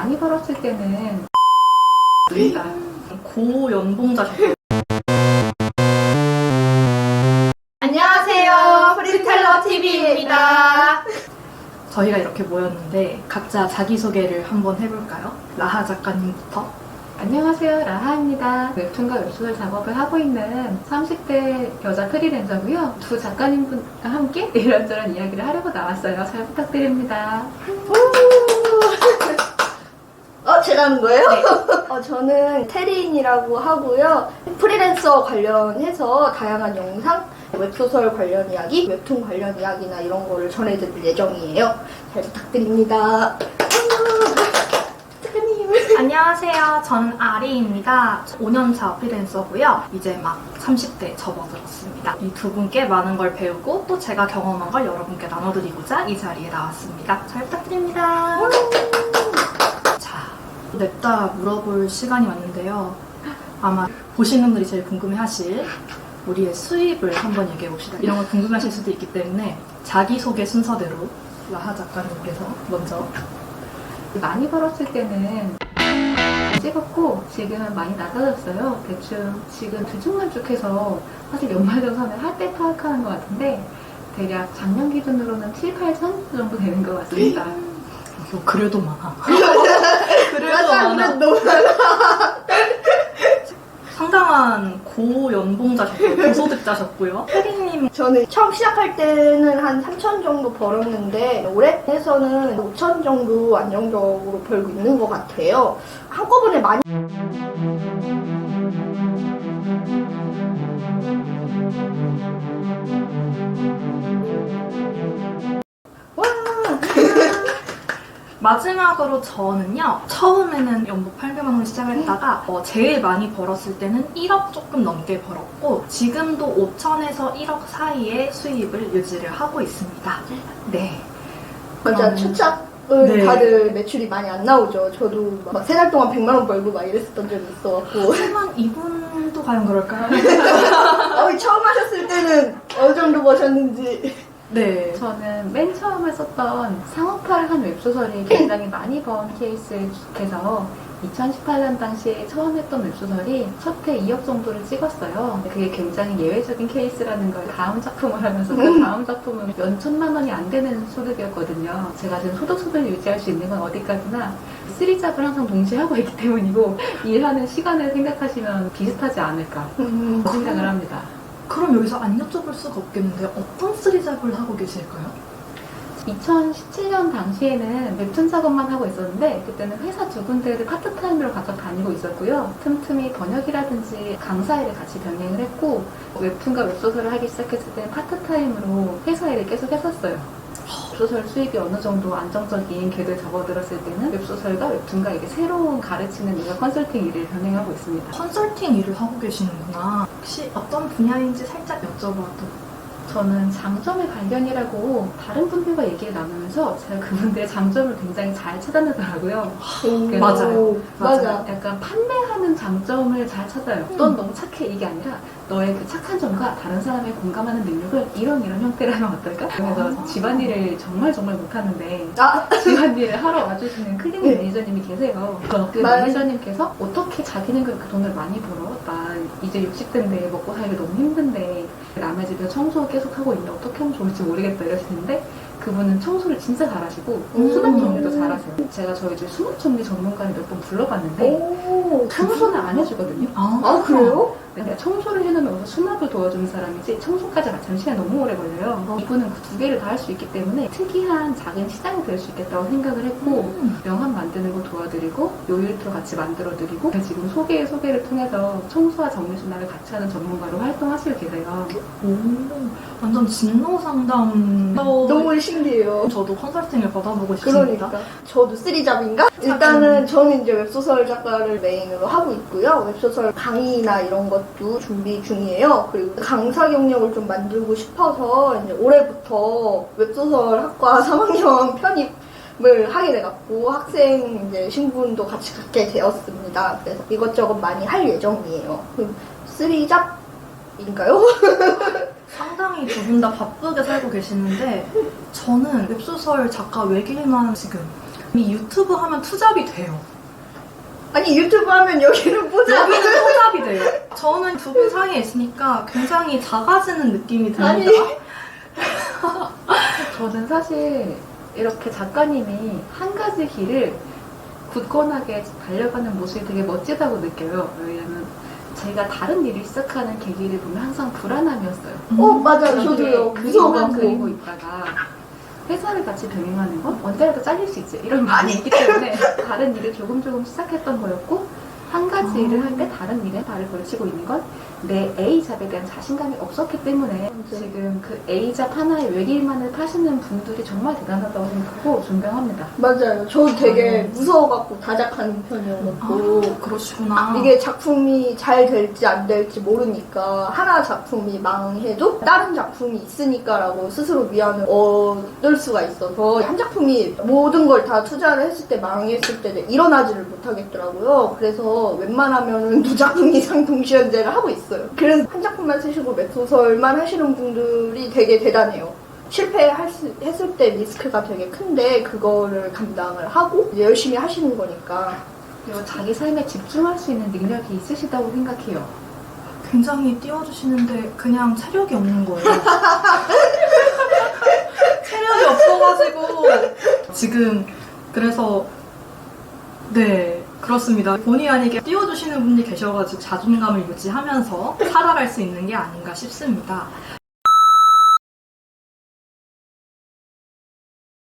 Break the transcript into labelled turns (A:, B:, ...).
A: 많이 벌었을 때는
B: 고연봉자셨어요.
C: 안녕하세요. 프리스타일러 TV입니다.
B: 저희가 이렇게 모였는데 각자 자기소개를 한번 해볼까요? 라하 작가님부터.
A: 안녕하세요, 라하입니다. 웹툰과 웹소설 작업을 하고 있는 30대 여자 프리랜서고요. 두 작가님과 함께 이런저런 이야기를 하려고 나왔어요. 잘 부탁드립니다.
C: 제가 하는 거예요?
A: 네.
C: 저는 테리인이라고 하고요. 프리랜서 관련해서 다양한 영상, 웹소설 관련 이야기, 웹툰 관련 이야기나 이런 거를 전해드릴 예정이에요. 잘 부탁드립니다.
B: 안녕하세요. 저는 아리입니다. 5년차 프리랜서고요. 이제 막 30대 접어들었습니다. 이 두 분께 많은 걸 배우고 또 제가 경험한 걸 여러분께 나눠드리고자 이 자리에 나왔습니다. 잘 부탁드립니다. 자, 냅다 물어볼 시간이 왔는데요. 아마 보시는 분들이 제일 궁금해하실 우리의 수입을 한번 얘기해봅시다. 이런 걸 궁금해하실 수도 있기 때문에 자기소개 순서대로 라하 작가님께서 먼저.
A: 많이 벌었을 때는 찍었고 지금은 많이 낮아졌어요. 대충 지금 들쭉날쭉해서 사실 연말정산을 할 때 파악하는 것 같은데 대략 작년 기준으로는 7, 8천 정도 되는 것 같습니다.
B: 그래도 많아.
C: 맞아, 너무 많아.
B: 상당한 고연봉자셨고요. 고소득자셨고요. 혜리님
C: 저는 처음 시작할 때는 한 3천 정도 벌었는데 올해 해서는 5천 정도 안정적으로 벌고 있는 것 같아요. 한꺼번에 많이
B: 마지막으로 저는요. 처음에는 연봉 800만 원 시작을 했다가 제일 많이 벌었을 때는 1억 조금 넘게 벌었고 지금도 5천에서 1억 사이의 수입을 유지를 하고 있습니다. 네.
C: 맞아, 초창은
B: 네.
C: 다들 매출이 많이 안 나오죠. 저도 막 3달 동안 100만 원 벌고 막 이랬었던 적이 있어갖고.
B: 하지만 이분도 과연 그럴까요?
C: 처음 하셨을 때는 어느 정도 버셨는지.
B: 네.
A: 저는 맨 처음에 썼던 상업화를 한 웹소설이 굉장히 많이 번 케이스에서 2018년 당시에 처음 했던 웹소설이 첫 회 2억 정도를 찍었어요. 그게 굉장히 예외적인 케이스라는 걸 다음 작품을 하면서 그 다음 작품은 몇 천만 원이 안 되는 소득이었거든요. 제가 지금 소득을 유지할 수 있는 건 어디까지나 3잡을 항상 동시에 하고 있기 때문이고 일하는 시간을 생각하시면 비슷하지 않을까 생각을 합니다.
B: 그럼 여기서 안 여쭤볼 수가 없겠는데 어떤 쓰리잡을 하고 계실까요?
A: 2017년 당시에는 웹툰 작업만 하고 있었는데 그때는 회사 두 군데를 파트타임으로 각각 다니고 있었고요. 틈틈이 번역이라든지 강사 일을 같이 병행을 했고 웹툰과 웹소설을 하기 시작했을 때는 파트타임으로 회사 일을 계속 했었어요. 웹소설 수입이 어느 정도 안정적인 궤도에 접어들었을 때는 웹소설과 웹툰과 이게 새로운 가르치는 일과 컨설팅 일을 병행하고 있습니다.
B: 컨설팅 일을 하고 계시는구나. 혹시 어떤 분야인지 살짝 여쭤봐도.
A: 저는 장점의 발견이라고 다른 분들과 얘기를 나누면서 제가 그분들의 장점을 굉장히 잘 찾아내더라고요.
B: 맞아요.
C: 맞아.
A: 약간 판매하는 장점을 잘 찾아요. 넌 너무 착해 이게 아니라 너의 그 착한 점과 다른 사람의 공감하는 능력을 이런 형태로 하면 어떨까? 그래서 집안일을 정말 못하는데 집안일을 하러 와주시는 클리닝 매니저님이 계세요. 그 매니저님께서 어떻게 자기는 그렇게 돈을 많이 벌어? 나 이제 60대인데 먹고 살기 너무 힘든데 남의 집에 청소 계속 하고 있는데 어떻게 하면 좋을지 모르겠다 이러시는데 그분은 청소를 진짜 잘하시고 수납 정리도 잘하세요. 제가 저희 집 수납 정리 전문가를 몇 번 불러봤는데 청소는 안 해주거든요.
C: 그래요?
A: 내가 청소를 해놓으면 수납을 도와주는 사람이지 청소까지 같이 시간이 너무 오래 걸려요. 이분은 그 두 개를 다 할 수 있기 때문에 특이한 작은 시장이 될 수 있겠다고 생각을 했고 명함 만드는 거 도와드리고 요일트로 같이 만들어드리고 지금 소개를 통해서 청소와 정리 수납을 같이 하는 전문가로 활동하시고 계세요.
B: 오, 완전 진로 상담.
C: 너무 신기해요.
B: 저도 컨설팅을 받아보고 싶습니다.
C: 그러니까 저도 3잡인가? 일단은 저는 이제 웹소설 작가를 메인으로 하고 있고요. 웹소설 강의나 이런 것도 준비 중이에요. 그리고 강사 경력을 좀 만들고 싶어서 이제 올해부터 웹소설 학과 3학년 편입을 하게 돼갖고 학생 이제 신분도 같이 갖게 되었습니다. 그래서 이것저것 많이 할 예정이에요. 3잡인가요?
B: 상당히 두 분 다 바쁘게 살고 계시는데 저는 웹소설 작가 외길만 지금 이 유튜브 하면 투잡이 돼요.
C: 아니 유튜브 하면 여기는 보자.
B: 여기는 투잡이 돼요. 저는 두 분 사이에 있으니까 굉장히 작아지는 느낌이 듭니다.
C: 아니.
A: 저는 사실 이렇게 작가님이 한 가지 길을 굳건하게 달려가는 모습이 되게 멋지다고 느껴요. 왜냐면 제가 다른 일을 시작하는 계기를 보면 항상 불안함이었어요.
C: 맞아요. 저도요.
A: 그림만
C: 무서워갖고.
A: 그리고 있다가 회사를 같이 병행하는 건 언제라도 잘릴 수 있지 이런 마음이 있기 때문에 다른 일을 조금 시작했던 거였고 한 가지 일을 할 때 다른 일에 발을 걸치고 있는 건 내 A잡에 대한 자신감이 없었기 때문에 지금 그 A잡 하나의 외길만을 파시는 분들이 정말 대단하다고 생각하고 존경합니다.
C: 맞아요. 저도 되게 무서워갖고 다작하는 편이어갖고
B: 그러시구나.
C: 이게 작품이 잘 될지 안 될지 모르니까 하나 작품이 망해도 다른 작품이 있으니까라고 스스로 위안을 얻을 수가 있어서 한 작품이 모든 걸 다 투자를 했을 때 망했을 때 일어나지를 못하겠더라고요. 그래서 웬만하면은 두 작품 이상 동시연재를 하고 있어요. 그래서 한 작품만 쓰시고 웹소설만 하시는 분들이 되게 대단해요. 실패했을 때 리스크가 되게 큰데 그거를 감당을 하고 이제 열심히 하시는 거니까.
A: 그리고 자기 삶에 집중할 수 있는 능력이 있으시다고 생각해요.
B: 굉장히 띄워주시는데 그냥 체력이 없는 거예요. 체력이 없어가지고 지금 그래서 네 그렇습니다. 본의 아니게 띄워주시는 분이 계셔가지고 자존감을 유지하면서 살아갈 수 있는 게 아닌가 싶습니다.